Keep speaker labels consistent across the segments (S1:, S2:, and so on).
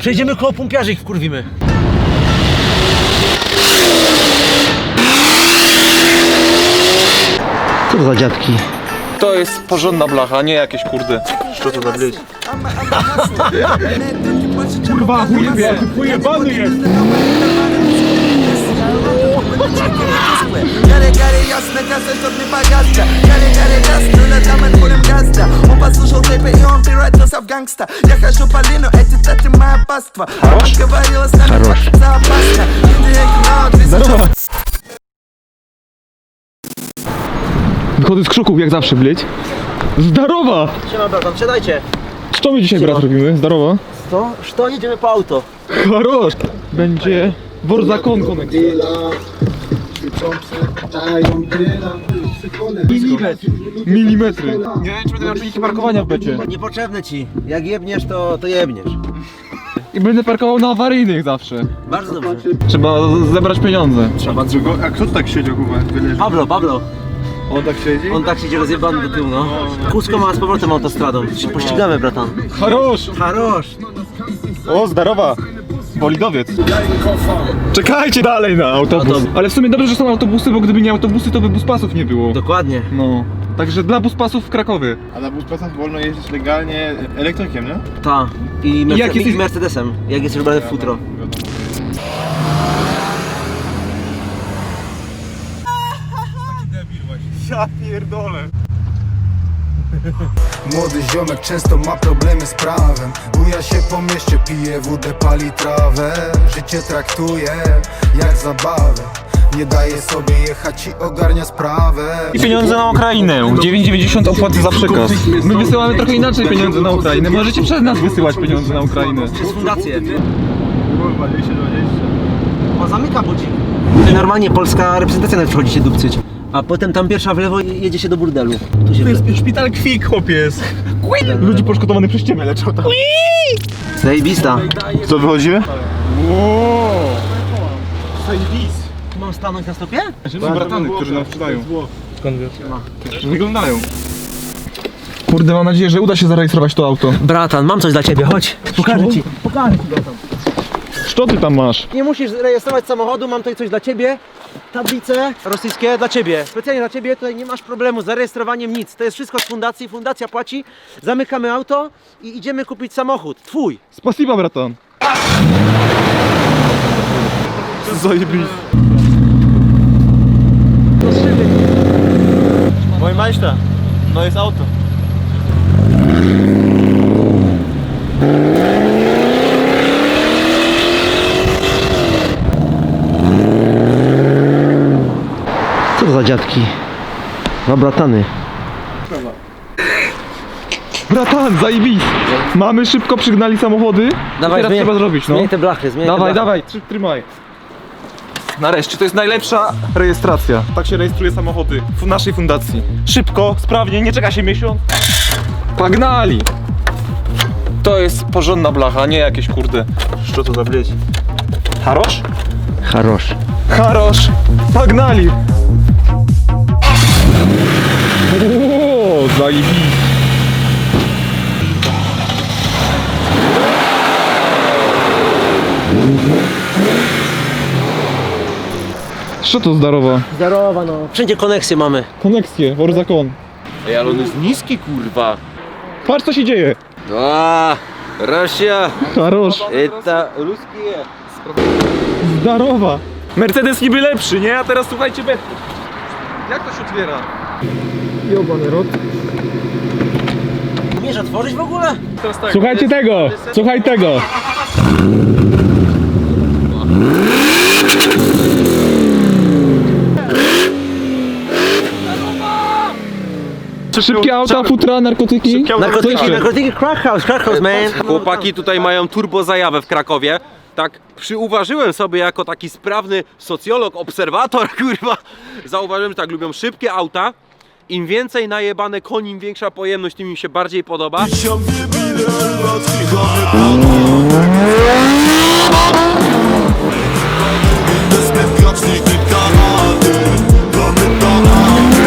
S1: Przejdziemy koło pompiarzy, ich wkurwimy. Co to za dziadki?
S2: To jest porządna blacha, nie jakieś kurde.
S1: Co to za bryś?
S2: Kurwa, chujebany jest!
S3: Gary, jasne, kasę, to nie bagażka. Gary, jasne, latamy tworem gazda. On послушал тэпе, и он превратился в гангста. Я хожу по лину, эти таты моя паства. Мама говорила, с нами как-то опасно.
S2: Здорово! Wychodzę z krzuków jak zawsze, bleć. Zdarowa!
S1: Siema bratan, siadajcie.
S2: Co my dzisiaj, brat, robimy? Zdarowa?
S1: Co jedziemy po auto?
S2: Charosz! Będzie Warzakon Connect. Milimetry. Nie wiem, czy będę miał czujniki parkowania w becie.
S1: Niepotrzebne ci. Jak jebniesz, to jebniesz.
S2: I będę parkował na awaryjnych zawsze.
S1: Bardzo dobrze.
S2: Trzeba zebrać pieniądze.
S4: Trzeba czego? A kto tu tak siedział, kurwa?
S1: Pablo.
S4: On tak siedzi?
S1: On tak siedzi rozjebany do tyłu, no. Kusko ma z powrotem autostradą. Się pościgamy, bratan.
S2: Charosz!
S1: Harosz.
S2: O, zdarowa! Bolidowiec. Czekajcie dalej na autobus. Ale w sumie dobrze, że są autobusy, bo gdyby nie autobusy, to by buspasów nie było.
S1: Dokładnie.
S2: No. Także dla buspasów w Krakowie.
S4: A na buspasach wolno jeździć legalnie elektrykiem, nie?
S1: Ta. I
S2: jak jesteś-
S1: Mercedesem, jak jesteś ubrany w futro.
S2: Ja pierdolę.
S5: Młody ziomek często ma problemy z prawem. Buja się po mieście, pije wódę, pali trawę. Życie traktuje jak zabawę. Nie daje sobie jechać i ogarnia sprawę.
S2: I pieniądze na Ukrainę. 9,90 opłaty za przekaz. My wysyłamy trochę inaczej pieniądze na Ukrainę. Możecie przez nas wysyłać pieniądze na Ukrainę.
S1: Przez fundację.
S4: Kurwa, 220.
S1: O, zamyka budzik. Normalnie polska reprezentacja nawet wchodzi się dupcyć. A potem tam pierwsza w lewo i jedzie się do burdelu. Tu się
S2: szpital kwik, chłopiec. Ludzi poszkodowanych przez ciebie leczą tam.
S1: Zajebista.
S4: Co, wychodzimy?
S1: Mam stanąć na stopie?
S2: Są bratany, którzy nam sprzedają. Skąd wiesz? Wyglądają. Kurde, mam nadzieję, że uda się zarejestrować to auto.
S1: Bratan, mam coś dla ciebie, chodź. Pokażę ci, bratan.
S2: Co ty tam masz?
S1: Nie musisz rejestrować samochodu, mam tutaj coś dla ciebie. Tablice rosyjskie dla ciebie. Specjalnie dla ciebie, tutaj nie masz problemu z zarejestrowaniem nic. To jest wszystko z fundacji, fundacja płaci. Zamykamy auto i idziemy kupić samochód. Twój.
S2: Spasiba, bratan. Zajebiście.
S4: Moje majszta. No jest auto.
S1: Co to za dziadki? Dwa bratany.
S2: Bratan, zajebiście. Mamy szybko przygnali samochody.
S1: Dawaj,
S2: teraz trzeba zrobić, no.
S1: Zmień te blachy, zmień
S2: Dawaj,
S1: te blachy.
S2: dawaj, trzymaj. Nareszcie, to jest najlepsza rejestracja. Tak się rejestruje samochody w naszej fundacji. Szybko, sprawnie, nie czeka się miesiąc. Pagnali! To jest porządna blacha, nie jakieś kurde.
S4: Co to za bryć?
S2: Harosz?
S1: Harosz.
S2: Harosz! Pagnali! O, zajebiście. Co to zdarowa?
S1: Zdarowa, no. Wszędzie koneksje mamy.
S2: Koneksje, Warzakon.
S6: Ej, ale on jest niski, kurwa.
S2: Patrz co się dzieje.
S6: A, Rosja,
S2: Harosz,
S6: это русские.
S2: zdarowa. Mercedes niby lepszy, nie? A teraz słuchajcie betki. Jak to się otwiera? Jobany rot.
S1: Umiesz otworzyć w ogóle?
S6: Teraz tak,
S2: Słuchajcie tego! Słuchaj tego! Szybkie auta, futra, narkotyki.
S1: Narkotyki, crack house, man.
S6: Chłopaki tutaj mają turbo zajawę w Krakowie. Tak przyuważyłem sobie jako taki sprawny socjolog, obserwator, kurwa. Zauważyłem, że tak lubią szybkie auta. Im więcej najebane koni, im większa pojemność, tym im się bardziej podoba.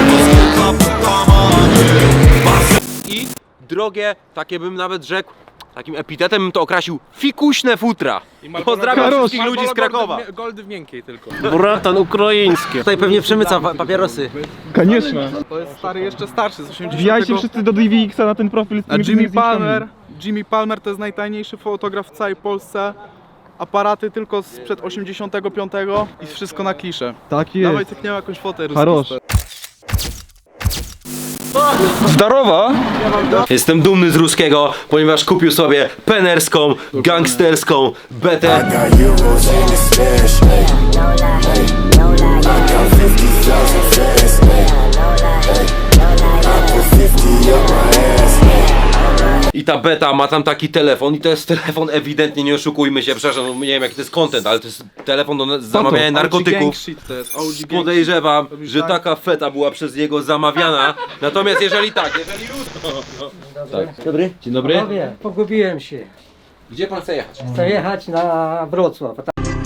S6: I drogie, takie bym nawet rzekł, takim epitetem bym to określił fikuśne futra. Pozdrawiam wszystkich ludzi z Krakowa.
S2: Goldy w miękkiej tylko.
S4: Bratan ukraiński.
S1: Tutaj pewnie przemyca papierosy.
S2: Koniecznie. To jest stary, jeszcze starszy, z 80. Wbijajcie wszyscy do DVX-a na ten profil. A Jimmy Palmer to jest najtajniejszy fotograf w całej Polsce. Aparaty tylko sprzed 85 i wszystko na kliszę. Tak jest. Dawaj, cykniemy jakąś fotę. Harosz. Zdarowa!
S6: Jestem dumny z Ruskiego, ponieważ kupił sobie penerską, gangsterską betę. I ta beta ma tam taki telefon i to jest telefon ewidentnie, nie oszukujmy się, przepraszam, no nie wiem jaki to jest content, ale to jest telefon do zamawiania narkotyków. Podejrzewam, że taka feta była przez niego zamawiana. Natomiast jeżeli
S1: Dobry?
S6: Dzień dobry.
S7: Panowie, pogubiłem się.
S6: Gdzie pan chce jechać?
S7: Chcę jechać na Wrocław.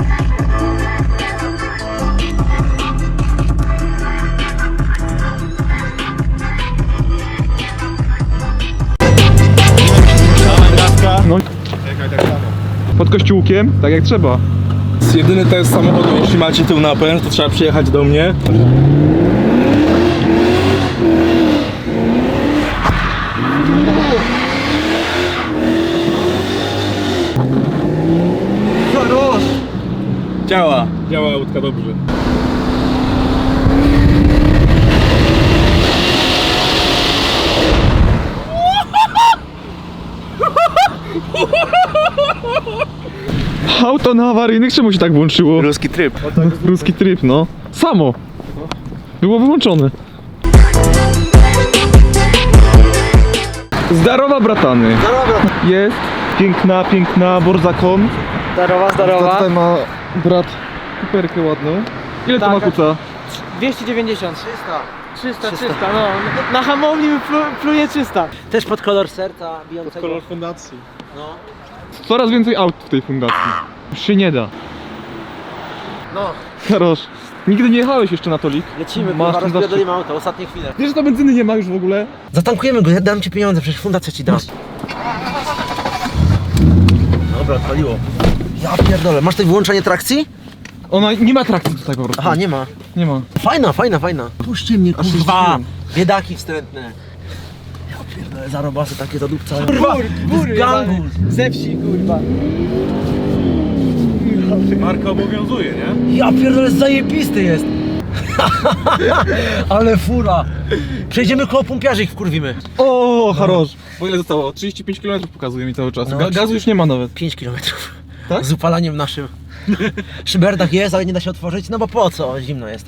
S2: No. Pod kościółkiem, tak jak trzeba.
S4: Jedyny test samochodu, jeśli macie tył napęd, to trzeba przyjechać do mnie. Działa. Działa łódka dobrze.
S2: Auto na awaryjnych, czemu się tak włączyło?
S4: Ruski tryb.
S2: Ruski tryb, no. Samo. Było wyłączone. Zdarowa, bratany. Jest. Piękna, piękna Borzakon.
S7: Zdarowa.
S2: Tutaj ma brat kuperkę ładną. Ile to ma kuca?
S7: 290. 300, no. Na hamowni pluje 300.
S1: Też pod kolor serca bijącego.
S4: Kolor fundacji.
S1: No.
S2: Coraz więcej aut w tej fundacji. Już się nie da.
S1: No,
S2: Karosz, nigdy nie jechałeś jeszcze na tolik?
S1: lecimy,
S2: Masz
S1: kurwa,
S2: ten
S1: rozpierdolimy auto, ostatnie chwile.
S2: Wiesz, że to benzyny nie ma już w ogóle?
S1: Zatankujemy go, ja dam ci pieniądze, przecież fundacja ci da. Dobra, odpaliło. Ja pierdolę, masz tutaj wyłączenie trakcji?
S2: Ona nie ma trakcji tutaj po prostu.
S1: Aha, nie ma.
S2: Nie ma.
S1: Fajna. Puśćcie mnie, kurwa. Biedaki wstrętne. Ja pierdolę, zarobasy takie zadupcają. Kurwa,
S7: Bury,
S1: gangu.
S7: ze wsi, kurwa.
S4: Marka obowiązuje, nie?
S1: Ja pierdolę, zajebisty jest. Ale fura. Przejdziemy koło pompiarzy, ich wkurwimy.
S2: O, Harosz. Bo ile zostało? 35 km pokazuje mi cały czas.
S1: No,
S2: Gazu już nie ma nawet.
S1: 5 kilometrów.
S2: Tak?
S1: Z upalaniem naszym. Szyberdach jest, ale nie da się otworzyć, no bo po co? Zimno jest.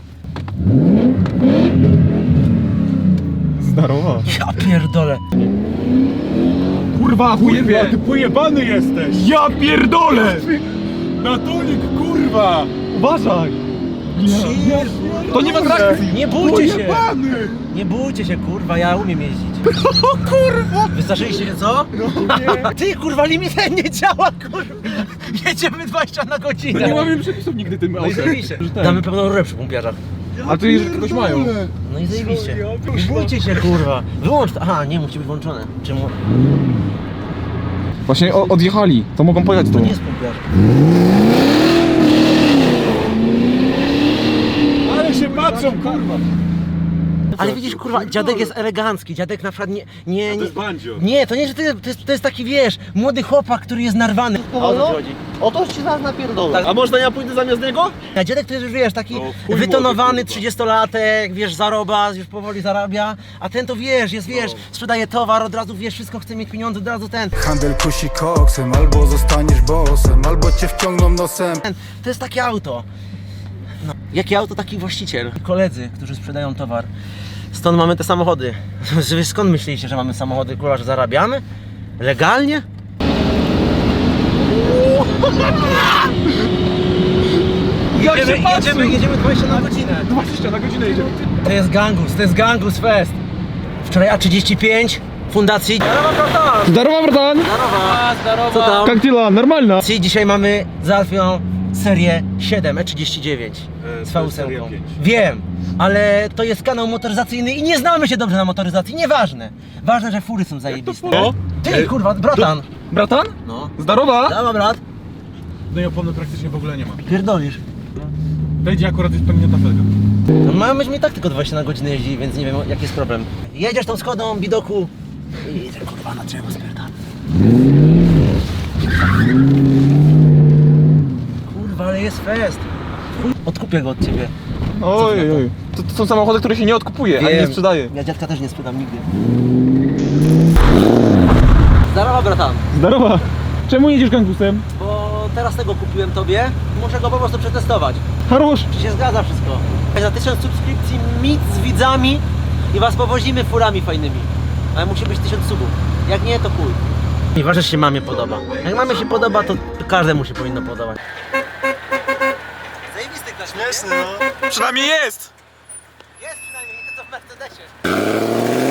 S2: Zdarowa.
S1: Ja pierdolę.
S2: Kurwa,
S4: Kurwa, ty pojebany jesteś!
S2: Ja pierdolę!
S4: Na tonik, kurwa!
S2: Uważaj! To nie ma trakcji!
S1: Nie bójcie się!
S4: Pojebany!
S1: Nie bójcie się, kurwa, ja umiem jeździć. O kurwa! Wystraszyliście się, co? Ty, kurwa, limit nie działa, kurwa! Jedziemy 20 na godzinę.
S2: Nie mamy przepisów nigdy tym
S1: No i
S2: autem.
S1: zajebiście. Damy pełną rurę przy pompiarzach.
S2: A tu jeżeli kogoś mają.
S1: No i zajebiście. Nie bójcie się, kurwa. Wyłącz to. Aha, nie, musi być włączone. Czemu?
S2: Właśnie odjechali, to mogą pojechać
S1: To
S2: tu.
S1: nie jest pompiarz.
S4: Ale się patrzą, kurwa!
S1: Ale widzisz, kurwa, dziadek jest elegancki, dziadek na przykład nie...
S4: To jest bandzio.
S1: Nie, to nie, że to jest taki, wiesz, młody chłopak, który jest narwany. O co ci chodzi?
S4: O to ci zaraz napierdolę. A można ja pójdę zamiast niego?
S1: A dziadek to jest już, wiesz, taki
S4: chuj
S1: wytonowany
S4: młody, kurwa.
S1: 30-latek, wiesz, zarobas, już powoli zarabia, a ten to wiesz, jest, wiesz, sprzedaje towar, od razu, wiesz, wszystko chce mieć pieniądze, od razu ten.
S5: Handel kusi koksem, albo zostaniesz bossem, albo cię wciągną nosem.
S1: To jest takie auto. No, jakie auto, taki właściciel. Koledzy, którzy sprzedają towar. Stąd mamy te samochody. Wy skąd myśleliście, że mamy samochody, kurwa, że zarabiamy? Legalnie? Jedziemy 20 na godzinę.
S2: 20 na godzinę jedziemy.
S1: To jest Gangus Fest. Wczoraj A35 fundacji.
S2: Zdarowa, bratan!
S1: Co tam?
S2: Jak dela? Normalna.
S1: Dzisiaj mamy załatwioną serię 7 E39 z V8. Wiem, ale to jest kanał motoryzacyjny i nie znamy się dobrze na motoryzacji, nieważne. Ważne, że fury są zajebiste. Ty, kurwa, bratan,
S2: Bratan?
S1: No.
S2: Zdarowa?
S1: Dała, brat.
S4: No i opony praktycznie w ogóle nie ma.
S1: Pierdolisz.
S4: Wejdzie akurat jest pęknięta felga.
S1: No mają być mi tak tylko 20 na godzinę jeździ, więc nie wiem jaki jest problem. Jedziesz tą Skodą, bidoku i kurwa na drzewo spierdam. Kurwa, ale jest fest. Chuj, odkupię go od ciebie.
S2: Oj, oj. To są samochody, które się nie odkupuje, ani nie sprzedaje.
S1: Ja dziadka też nie sprzedam nigdy. Zdarowa, bratan.
S2: Zdarowa. Czemu jedziesz gangusem?
S1: Bo teraz tego kupiłem tobie, muszę go po prostu przetestować.
S2: Harosz.
S1: Czy się zgadza wszystko? Za 1000 subskrypcji mit z widzami i was powozimy furami fajnymi. Ale musi być 1000 subów. Jak nie, to chuj. Nieważne, czy się mamie podoba. Jak mamie się podoba, to każdemu się powinno podobać. Zajebisty klasz.
S2: Śmieszny, no. Przynajmniej jest!
S1: Jest przynajmniej, nie to co w Mercedesie.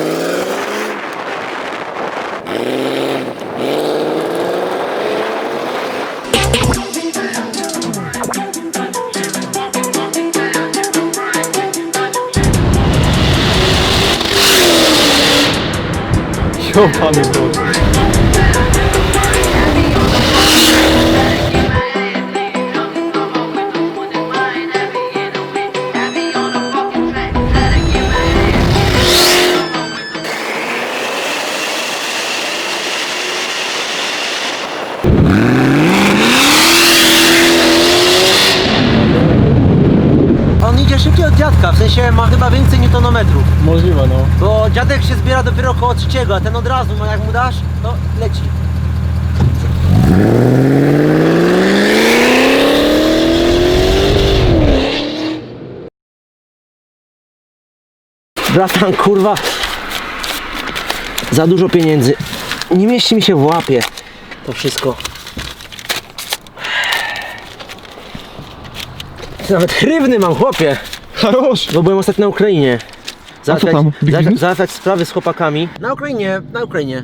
S2: Jopany Boże.
S1: On idzie szybciej od dziadka, w sensie ma chyba więcej newtonometrów.
S4: Możliwe, no.
S1: Bo dziadek się zbiera dopiero około 3, a ten od razu, no jak mu dasz, to leci. Bratan, kurwa, za dużo pieniędzy. Nie mieści mi się w łapie to wszystko. Nawet hrywny mam, chłopie.
S2: Harosz.
S1: Bo byłem ostatnio na Ukrainie.
S2: A co tam? Big business?
S1: Załatwiać sprawy z chłopakami. Na Ukrainie.